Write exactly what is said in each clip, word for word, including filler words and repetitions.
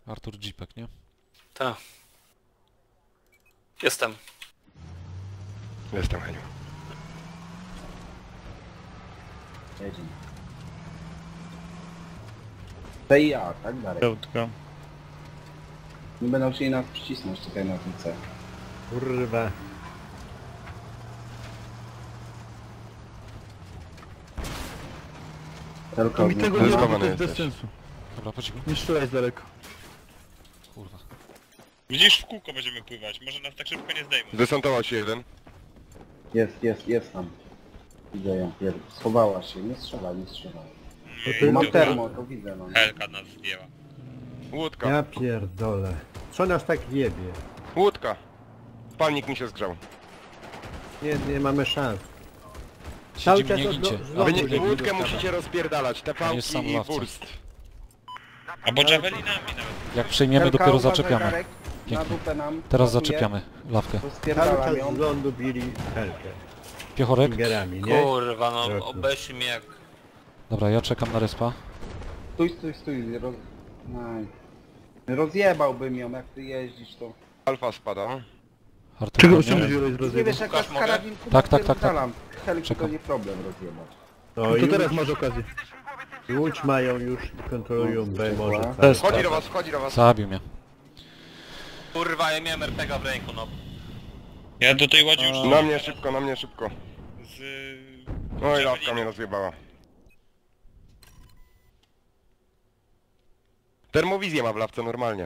Artur Jeepek, nie? Tak. Jestem. Jestem, Heniu. Jedziemy. To i ja, tak dalej. Pełtko. Nie będą chcieli nas przycisnąć tutaj na tym C. Kurwa. Tylko Mi tego nie nie ma, robi, to to jest jest bez sensu. Dobra, po cichu. Nie strzelaj z daleko. Kurwa. Widzisz, w kółko będziemy pływać, może nas tak szybko nie zdejmą. Zdesantował się jeden. Jest, jest, jest tam. Widzę ją. Pier... Schowała się, nie strzelaj, nie strzelaj. Nie, Bo mam dobra. termo, to widzę no. Helka nas zdjęła. Łódka. Ja pierdolę. Co nas tak jebie? Łódka. Palnik mi się zgrzał. Nie, nie mamy szans. Cały Siedzimy, czas nie od- gincie. z Wy lotu nie, biegli łódkę dostawa. musicie rozpierdalać, te jest sam pałki i ławca. wurst. Albo javelinami nawet. Jak przejmiemy, Helka, dopiero uważaj, zaczepiamy. Darek, na Pięknie. dupę nam. Teraz pasuje. zaczepiamy lawkę. Cały Rozpierdalam czas ją. z lądu bili helkę. Piechorek? Fingerami, nie? Kurwa, no Roku. obejrzyj mnie jak... Dobra, ja czekam na respa. Stój, stój, stój. Roz... Naj. Rozjebałbym ją, jak ty jeździsz to. Alfa spada. Artur, Czego nie? się wziąłeś z Nie rozjebu? wiesz, jak Łukasz, z mogę? karabinku Tak, tak, tak, tak. napierdalam. Helki to Czekam. nie problem rozjebać. To, To już, teraz masz okazję. Łódź mają już i kontrolują No, B może. dobra. cały Wchodzi czas. do was, wchodzi do was. Zabił mnie. Kurwa, ja miałem er pe ga w ręku, no. Ja do tej łodzi już... Na mnie szybko, na mnie szybko. Z... No i lawka mnie rozjebała. Termowizję ma w lawce normalnie.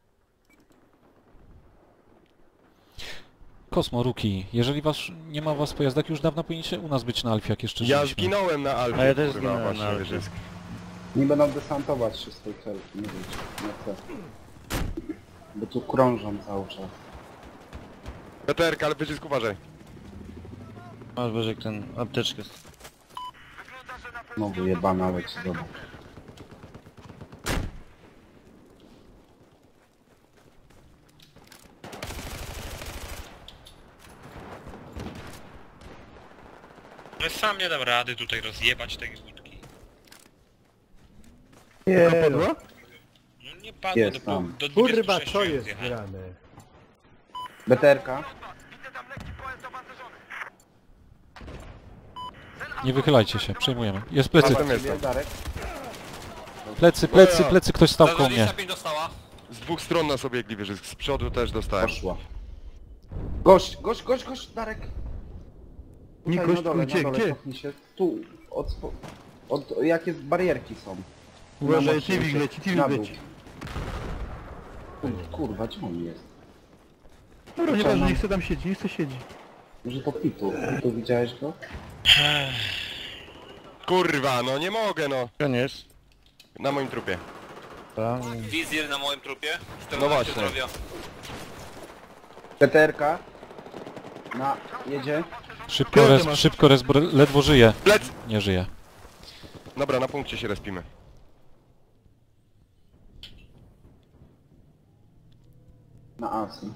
Kosmo, Ruki, jeżeli was nie ma was w pojazdach, już dawno powinniście u nas być na Alfie, jak jeszcze Ja żyliśmy. zginąłem na Alfie, A ja też kurwa, zginąłem właśnie, na Alfie. wyżysk. Nie będą desantować się z tej helki, nie wiem, na C. Bo tu krążą cały czas. Peterka, ale wyżysk uważaj. Masz Bożek ten apteczkę. No wyjebana leci, dobra. Ale sam nie dam rady tutaj rozjebać tej łódki. Nie, Padła? No nie padło Jest do, tam. do kurwa, dwudziestu sześciu co jak jest zjechałem. grane? Beterka. Nie wychylajcie się, przejmujemy. Jest plecy, Tam jest. Ciebie, Darek. plecy, plecy, plecy, ktoś stał koło mnie. dwadzieścia pięć dostała. Z dwóch stron nas obiegli wyżysk, z przodu też dostałem. Poszła. Gość, gość, gość, gość, Darek. Nie, Tutaj gość, na dole, gdzie, na dole, gdzie? cofnij się. Tu, od, spo- od, jakie barierki są. Uważaj, Na Tivik mocno, leci, Tivik na dół. leci. Kur- Kurwa, gdzie on jest? Dobra, nieważne, nie chce tam siedzieć, nie chce siedzieć. Może to Pitu. Pitu, widziałeś go? Kurwa, no nie mogę no. Gdzie on jest? Na moim trupie. Wizjer na moim trupie. No właśnie. Zdrowia. Peterka. Na, jedzie. Szybko res, szybko res, bo ledwo żyje. Plec! Nie żyje. Dobra, na punkcie się respimy. Na Asy.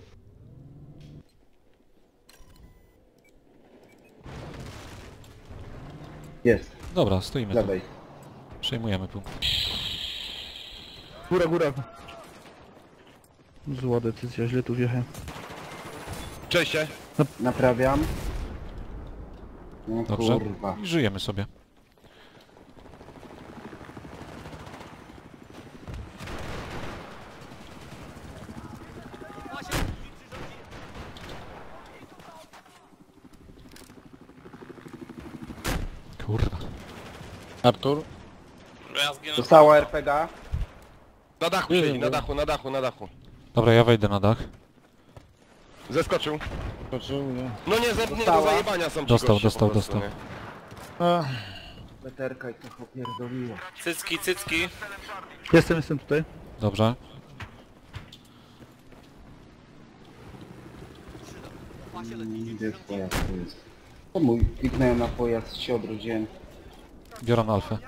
Jest, Dobra, z stoimy tu. lewej. Przejmujemy punkt. Góra, góra. Zła decyzja, źle tu wjechałem. Cześć się. Naprawiam. No Dobrze. kurwa. I żyjemy sobie. Kurwa. Artur? Ja zginę. Dostała er pe ga. Na dachu Nie siedzi, wiem, na no. dachu, na dachu, na dachu. Dobra, ja wejdę na dach. Zeskoczył. Skoczył, nie. No nie, ze, nie do Dostała. zajebania są ci Dostał, goście dostał, po prostu, dostał. nie? A, Peterka i trochę opierdoliła. Cycki, cycki. jestem, jestem tutaj. Dobrze. Mm, Gdzie jest pojazd? Tu jest. To mój. Kliknąłem na pojazd, się odrodziłem. Biorę na Alfę.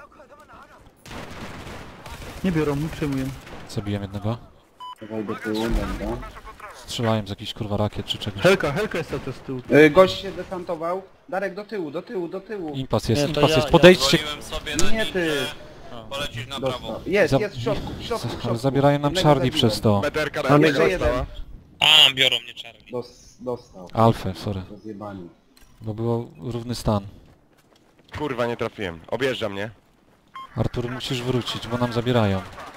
Nie biorą, nie przejmuję. Zabiłem jednego. Dawaj do tyłu, dobra. Strzelałem z jakichś kurwa rakiet czy czegoś. Helka, Helka jest cały czas z tyłu. Y, gość się desantował. Darek do tyłu, do tyłu, do tyłu. Impas jest, Nie, to impas ja- jest. ja Podejdźcie. Zwoliłem sobie na Nie ty. ninja. Polecisz na prawo. Dostał. Jest, Za- jest w środku, w środku, w Ale środku. zabierają nam Jednego Charlie zabiłem. przez to. Meterka Mam na jeszcze dostała. jeden. A, biorą mnie Charlie. Dos, dostał. Alfę, sorry. Rozjebani. Bo było równy stan. Kurwa, nie trafiłem. Objeżdża mnie. Artur, musisz wrócić, bo nam zabierają.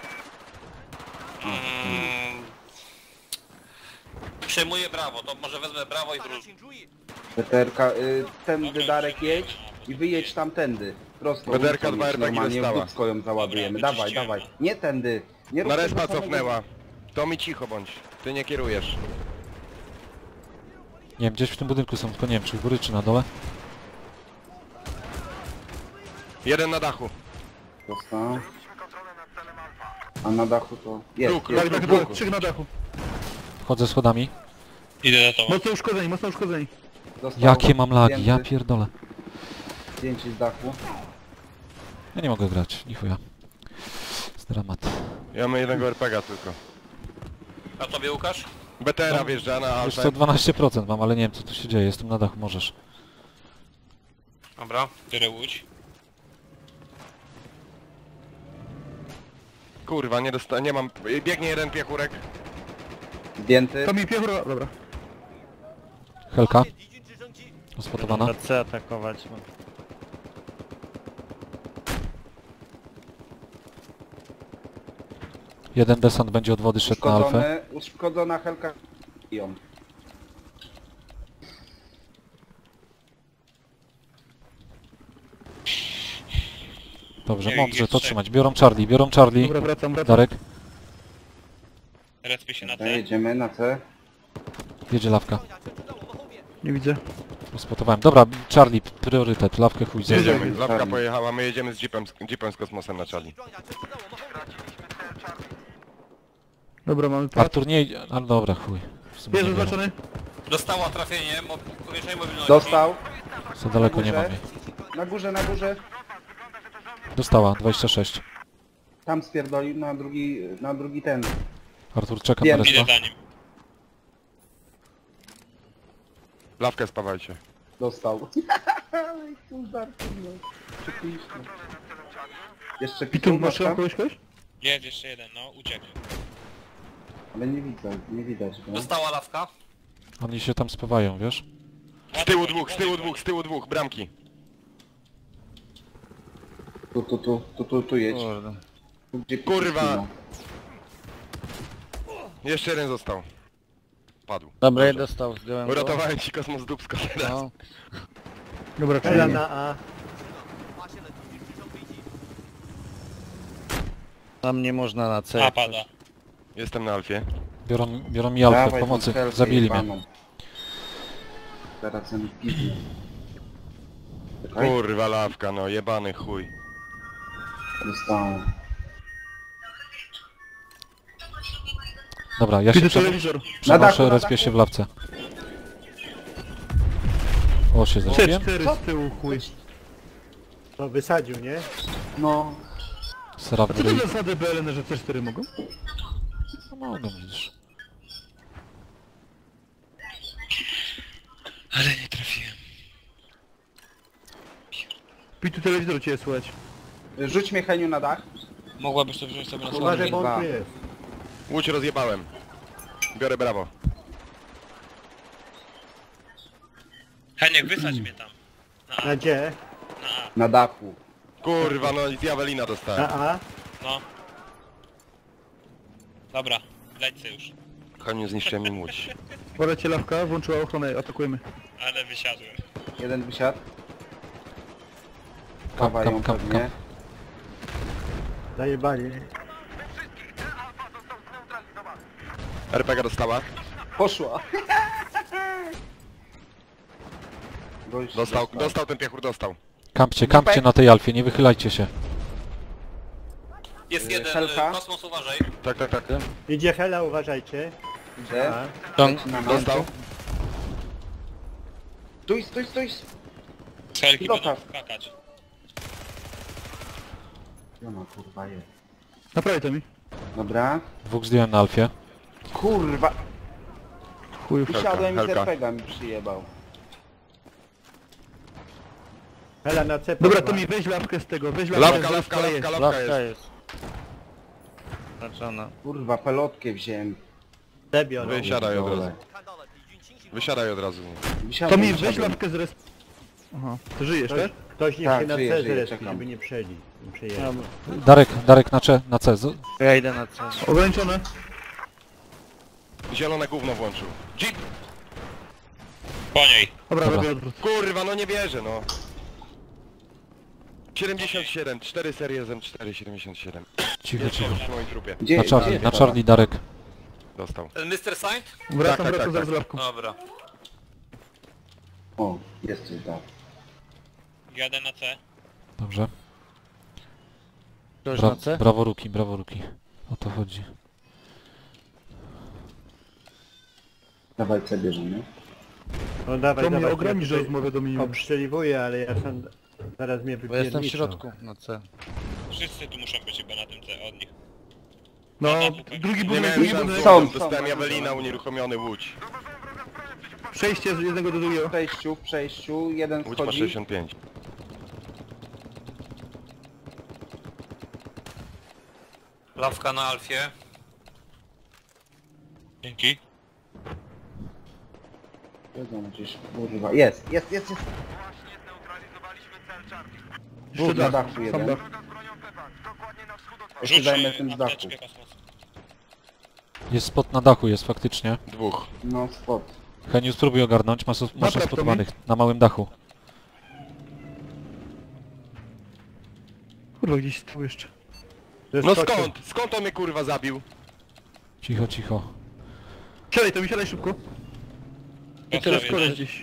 Mm. Przejmuję brawo, to może wezmę brawo i wrócę. Peterka, y, tędy Dobra, Darek przyjmuję, jedź no, i wyjedź tamtędy. Prosto. Peterka, ulicą dwa jedź R P G normalnie, w dostała. dupsko ją załadujemy. Dobra, Dawaj, wyczyściłem. dawaj. Nie tędy. Nie rób Na tego respa samego. cofnęła. To mi cicho bądź. Ty nie kierujesz. Nie wiem, gdzieś w tym budynku są, tylko nie wiem, czy u góry, czy na dole. Jeden na dachu. Dostał. A na dachu to... Jest, Duk, jest, Tak, tak, duk, dwóch, duk. trzech na dachu. Wchodzę schodami. Idę za tobą. Mocno uszkodzeni, mocno uszkodzeni. Dostał Jakie mam lagi, ja zdjęty, pierdolę. Zdjęcie z dachu. Ja nie mogę grać, ni chuja. Jest dramat. Ja mam jednego R P G tylko. A tobie Łukasz? B T R a No, wjeżdża na Już Alfę. co dwanaście procent mam, ale nie wiem co tu się dzieje, jestem na dachu, możesz. Dobra. Biorę łódź. Kurwa, nie dosta... nie mam... Biegnie jeden piechurek. Zdjęty. To mi piechura, dobra. Helka. Ospotowana. C atakować. No. Jeden desant będzie od wody szedł na alfę. Uszkodzony, uszkodzona Helka. Ją. Dobrze, Nie, mądrze jest to trzech. trzymać. Biorą Charlie, biorą Charlie. Dobra, wracam, wracam. Darek, Respię się na Dobra, C. jedziemy na C. jedzie lawka. Nie widzę. Uspotowałem. Dobra, Charlie, priorytet, lawkę chuj zjedzie. Jedziemy. Lawka Charlie. pojechała, my jedziemy z jeepem, z jeepem z kosmosem na Charlie. Dobra, mamy pas. Artur nie idzie, ale dobra, chuj. W sumie Jest nie wiem. zaznaczony. Dostała trafienie, mo powiększenie mobilności. Dostał. Za daleko nie górze. mam jej. Na górze, na górze. Dostała, dwadzieścia sześć. Tam spierdolił na drugi, na drugi ten. Artur, czekam na Wiem. Idę respa. za nim. Lawkę spawajcie. Dostał. Ale tu żartuję. Przepięknie. Jeszcze Pitu, pitu masz masz tam? kogoś, kogoś? Jest jeszcze jeden, no, uciekł. Ale nie widzę, nie widać go. Dostała lawka. Oni się tam spływają, wiesz? Z tyłu dwóch, z tyłu dwóch, z tyłu dwóch, bramki. Tu, tu, tu, tu, tu, tu jedź. Kurde. Tu, gdzie Kurwa. Pitu Jeszcze jeden został. Padł. Dobra, ja Dobrze. dostał, zdjąłem go. Uratowałem ci kosmos dupsko teraz. No. Dobra, Hela czyli na A. Tam nie można na C. A, pada. Jestem na Alfie. Biorą, biorą mi Dawaj alfę, tą pomocy, helkę zabili mnie. jebaną. Teraz ten pizny. Czekaj, Kurwa lawka, no jebany chuj. dostałem. Dobra, ja się Pitu przeno telewizor. Na dachu, przenoszę, na respię dachu. się w lawce. O, się C zrespiłem. cztery z tyłu, chuj. No wysadził, nie? No, Sera w A co to ryj. za zasady B L N, że C cztery mogą? No mogą, widzisz. Ale nie trafiłem. Pitu telewizor cię słychać. rzuć mnie Heniu na dach. Mogłabyś to wziąć sobie na Uważaj, sobie. bo Dwa. on tu jest. Łódź rozjebałem. Biorę brawo. Heniek, wysadź mnie tam. Na A, Na gdzie? na A. Na dachu. Kurwa, no i z Jawelina dostałem. Na A? No. Dobra, lećcie już. Koniu zniszczyłem im łódź. Uważajcie, lawka, włączyła ochronę, atakujemy. Ale wysiadłem. Jeden wysiadł. Kam, Kawają kam, kam, pewnie. kam. Zajebali. R P G dostała. Poszła. Gość Dostał, dostał ten piechur, dostał. Kampcie, kampcie na tej alfie, nie wychylajcie się. Jest Y, jeden, Helka? y, kosmos uważaj. Tak, tak, tak. Idzie Hela, uważajcie. Idzie. A. Leci na nas. Dostał. Stój, stój, stój. Z helki Pilota. będą skakać. No, no kurwa jest. Naprawię to mi. Dobra. Dwóch zdjąłem na alfie. Kurwa. Chujów. Usiadłem i z Helka. R P G mi przyjebał. Hela na C Dobra, poszła. to mi weź lawkę z tego, weź lawkę Lawka, z lawka, jest. lawka, lawka Lawka jest. jest. Znaczona. Kurwa, pelotkę wziąłem. C biorą. Wysiadaj od razu. Dole. Wysiadaj od razu. Wysiadłem, To mi weź wysiadłem. lawkę z res... Aha, to żyjesz, Ktoś, tak? ktoś niech Tak, się na żyję, C żyję, zrespi, czekam. żeby nie przejęli. Nie przejęli. Darek, Darek na, cze, na C. Z- Ja idę na C. Ograniczone. Zielone gówno włączył. Jeep! Po niej. Dobra, Dobra. robię odwrót. Kurwa, no nie wierzę, no. siedemdziesiąt siedem, cztery serie z M cztery, siedemdziesiąt siedem. Cicho, cicho. Przy moim trupie. Gdzie Na gdzie Charlie, jest na ta? Charlie Darek. Dostał. Ten mister Saint? Wracam, tak, wracam tak, zaraz tak. z lawką. Dobra. O, jest coś tak. Jadę na C. Dobrze. Ktoś Bra na C? brawo Ruki, brawo Ruki. O to chodzi. Dawaj C bierzemy. No dawaj, To mnie dawaj. ograniczy ja rozmowę do minimum. obstrzeliwuję, ale ja sam... Zaraz mnie Bo jestem w wypierniczą. środku na C. Wszyscy tu muszą być chyba na tym C od nich. No, tak. drugi Nie budynek, miałem drugi szans, budynek. Są, są. dostałem Jawelina, unieruchomiony Łódź. Przejście z jednego do W drugiego. przejściu, w przejściu, jeden Łódź ma schodzi. sześćdziesiąt pięć. Lawka na Alfie. Dzięki. Wiedzą gdzieś, kurwa. Jest, jest, jest, jest. Jeszcze na dach, dachu sam jeden. dach. Ja się Rzuć zajmę tym z dachu. apteczkę kosmos. Jest spot na dachu, jest faktycznie. Dwóch. No, spot. Heniu, spróbuj ogarnąć, masz, masz Napraw to spotowanych na małym dachu. Kurwa, gdzieś tu jeszcze. No Zeskoczył. skąd? Skąd on mnie kurwa zabił? Cicho, cicho. Siadaj, to mi siadaj szybko. I teraz Dostał koleś jeden. gdzieś.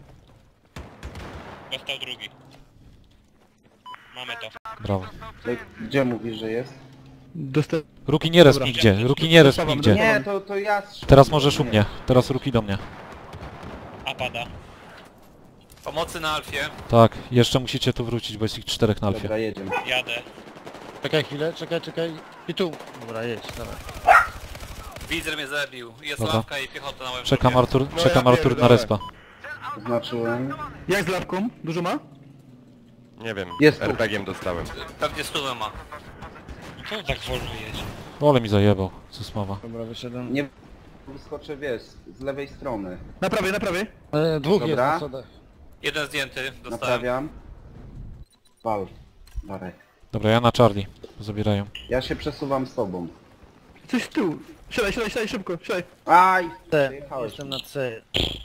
Dostał drugi. Mamy to. Brawo. Ej, gdzie mówisz, że jest? Dosta... Ruki nie resp Dobra. nigdzie, Ruki nie resp Dostawam, nigdzie. Nie, to, to ja strzelam. Teraz możesz u Nie. mnie. Teraz Ruki do mnie. A pada. Pomocy na Alfie. Tak, jeszcze musicie tu wrócić, bo jest ich czterech na Alfie. Dobra, jedziemy. Jadę. Czekaj chwilę, czekaj, czekaj. I tu. Dobra, jedź, dawaj. Widzer mnie zabił. Jest Dobra. lawka i piechota na moim Czekam trupie. Artur, No czekam ja Artur na pierdolę. respa. Oznaczyłem. Jak z lawką? Dużo ma? Nie wiem, Jest tu. er pe gie em dostałem. Pewnie stówę ma. Co tak wolno jedzie? Ole mi zajebał, co smawa. Dobra, wyszedłem. Nie wyskoczę, wiesz, z lewej strony. Na prawej, na prawej. E, dwóch jest Dobra. na sodach. Jeden zdjęty. Dostałem. Naprawiam. Wal. Darek. Dobra, ja na Charlie. Zabierają. Ja się przesuwam z tobą. Coś z tyłu. Siadaj, siadaj, siadaj, szybko, siadaj. Aj! C. Przyjechałeś. Jestem na C.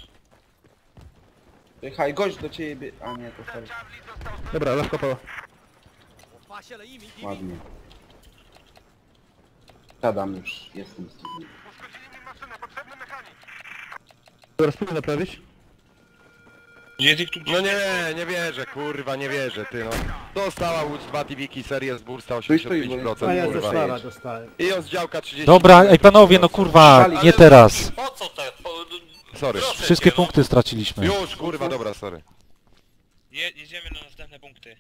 Jechaj, gość do ciebie. A nie, to sorry. Dobra, lawka pała. Ładnie. Siadam już, jestem z tobą. Dobra, spróbuj naprawić. Jest ich tu gdzieś. No nie, nie wierzę, kurwa, nie wierzę, ty no. Dostała Łódź dwa T-Wiki, serie z bursta Stój, stój, osiemdziesiąt pięć bo- A procent, ja ze kurwa. szlaba dostałem. I on z działka trzydzieści. Dobra, ej panowie, no kurwa, nie Ale- teraz. Po co te? Po... Sorry. Proszę Wszystkie cię, no. punkty straciliśmy. Już, kurwa, dobra, sorry. Je, jedziemy na następne punkty.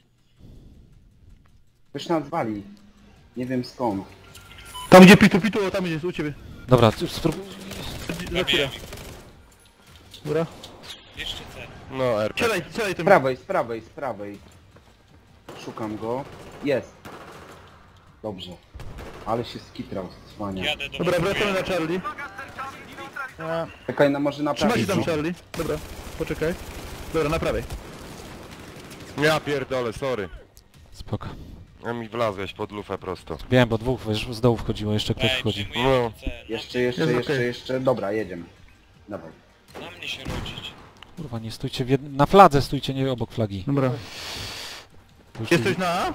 Ktoś nas wali. Nie wiem skąd. Tam gdzie pitu, pitu, o, tam jest, u ciebie. Dobra, c- spróbuj. Za chwilę. Zabiłem ich. Dobra. Jeszcze C. No, er pe gie. Siadaj, siadaj Z tym. prawej, z prawej, z prawej. Szukam go. Jest. Dobrze. Ale się skitrał, cwania. Jadę do Dobra, was. wracamy na Charlie. A, Czekaj, no może Trzymaj naprawić. się tam, no. Charlie. Dobra, poczekaj. Dobra, na prawej. Ja pierdolę, sorry. Spoko. Ja mi wlazłeś pod lufę prosto. Wiem, bo dwóch wiesz, z dołu wchodziło, jeszcze ktoś Ej, wchodzi. przyjmujemy No. C. Na, Jeszcze, jeszcze, Jest jeszcze, okej. jeszcze. Dobra, jedziemy. Dawaj. na mnie się rodzić. Kurwa, nie stójcie w jed... na fladze, stójcie nie obok flagi. Dobra. Już Jesteś na A?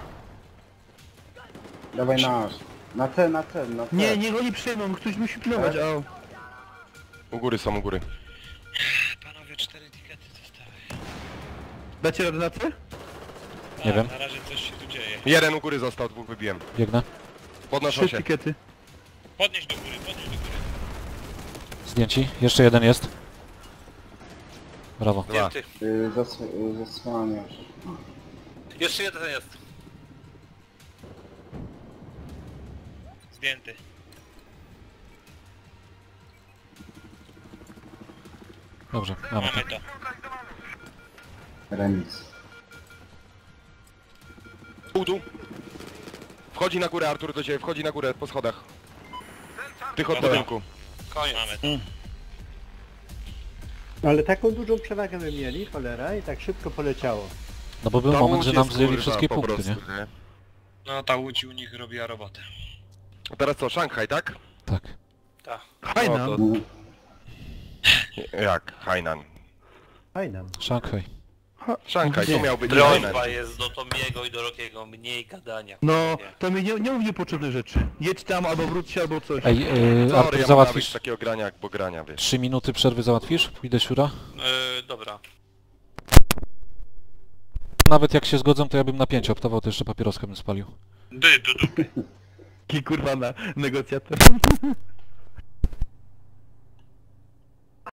Dawaj na aż. Na C, na C, na C. Nie, niech oni przyjmą, ktoś musi pilnować, Tak? a U góry są, u góry. Panowie, cztery tikety zostały. dacie radę na C? Tak, Nie wiem. na razie coś się tu dzieje. Jeden u góry został, dwóch wybiłem. biegnę. Podnoszą Trzy się. tikety. Podnieś do góry, podnieś do góry. Zdjęci. Jeszcze jeden jest. Brawo. Dwa. Zdjęty. Y, zas y, zasłaniasz. Jeszcze jeden jest. Zdjęty. Dobrze, mamy to. Mamy to. Remis. Dół, dół. Wchodzi na górę Artur do ciebie, wchodzi na górę po schodach. Tych od Dobra. budynku. Koniec. Mamy to. Ale taką dużą przewagę my mieli, cholera, i tak szybko poleciało. No bo był Ta moment, łódź że nam jest, zjęli kurwa, wszystkie po punkty, prostu, nie? nie? No ta łódź u nich robiła robotę. A teraz co, Szanghaj, tak? Tak. Hainan. No to... Jak? Hainan. Fajna. Szanghaj. Szanghaj, to miał być Prośba Hainan. jest do Tomiego i do Rokiego, mniej gadania. No, Nie. to mi nie, nie mów niepotrzebnych rzeczy. Jedź tam, albo wróć się, albo coś. Ej, yy, Sorry, Artur, ja mam załatwisz nawet takiego grania jak bo grania, wiesz. trzy minuty przerwy załatwisz? Pójdę siura? Yy, dobra. Nawet jak się zgodzą, to ja bym na pięć optował, to jeszcze papieroska bym spalił. Dy, du, du. Ki kurwa na negocjator.